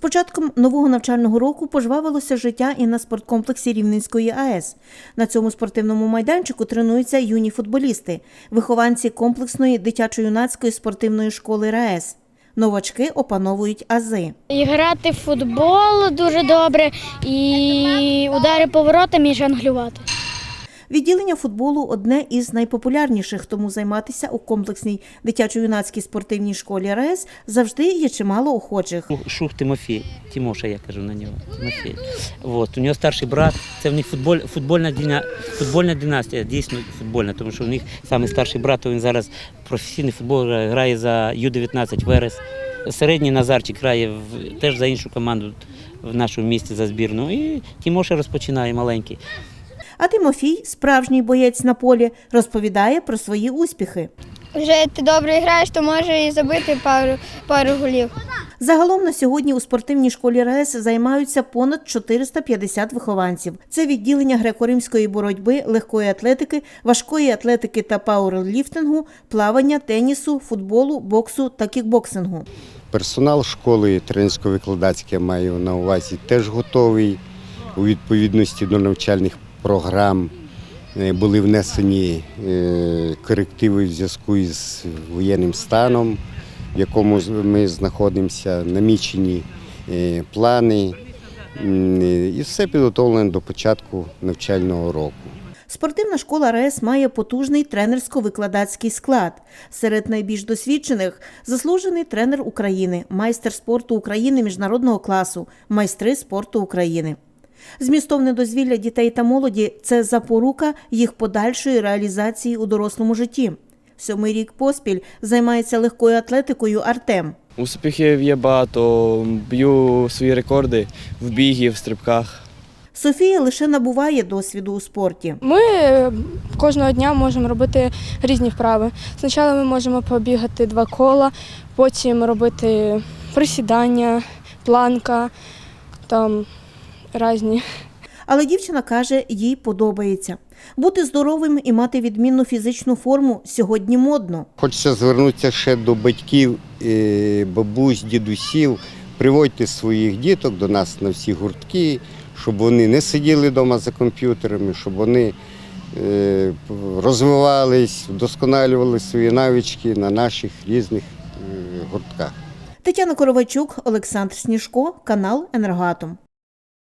початком нового навчального року пожвавилося життя і на спорткомплексі Рівненської АЕС. На цьому спортивному майданчику тренуються юні футболісти, вихованці комплексної дитячо-юнацької спортивної школи РаЕС. Новачки опановують ази. І грати в футбол дуже добре, і удари поворотами, і жонглювати. Відділення футболу – одне із найпопулярніших, тому займатися у комплексній дитячо-юнацькій спортивній школі РаЕС завжди є чимало охочих. Шух Тимофій, Тимоша я кажу на нього, Тимофій. У нього старший брат, це в них футбольна династія, дійсно футбольна, тому що у них саме старший брат, він зараз професійний футбол грає за Ю-19 Верес. Середній Назарчик грає теж за іншу команду в нашому місті за збірну, і Тимоша розпочинає маленький. А Тимофій, справжній боєць на полі, розповідає про свої успіхи. Вже ти добре граєш, то може і забити пару голів. Загалом на сьогодні у спортивній школі РаЕС займаються понад 450 вихованців. Це відділення греко-римської боротьби, легкої атлетики, важкої атлетики та пауерліфтингу, плавання, тенісу, футболу, боксу та кікбоксингу. Персонал школи тренерсько-викладацький, я маю на увазі, теж готовий у відповідності до навчальних програм. Були внесені корективи в зв'язку із воєнним станом, в якому ми знаходимося, намічені плани, і все підготовлено до початку навчального року. Спортивна школа РаЕС має потужний тренерсько-викладацький склад. Серед найбільш досвідчених – заслужений тренер України, майстер спорту України міжнародного класу, майстри спорту України. Змістовне дозвілля дітей та молоді – це запорука їх подальшої реалізації у дорослому житті. 7-й рік поспіль займається легкою атлетикою Артем. Успіхів є багато, б'ю свої рекорди в бігі, в стрибках. Софія лише набуває досвіду у спорті. Ми кожного дня можемо робити різні вправи. Спочатку ми можемо побігати 2 кола, потім робити присідання, планка, там різні. Але дівчина каже, їй подобається. Бути здоровим і мати відмінну фізичну форму сьогодні модно. Хочеться звернутися ще до батьків, бабусь, дідусів. Приводьте своїх діток до нас на всі гуртки, щоб вони не сиділи вдома за комп'ютерами, щоб вони розвивались, вдосконалювали свої навички на наших різних гуртках. Тетяна Коровайчук, Олександр Сніжко, канал «Енергоатом».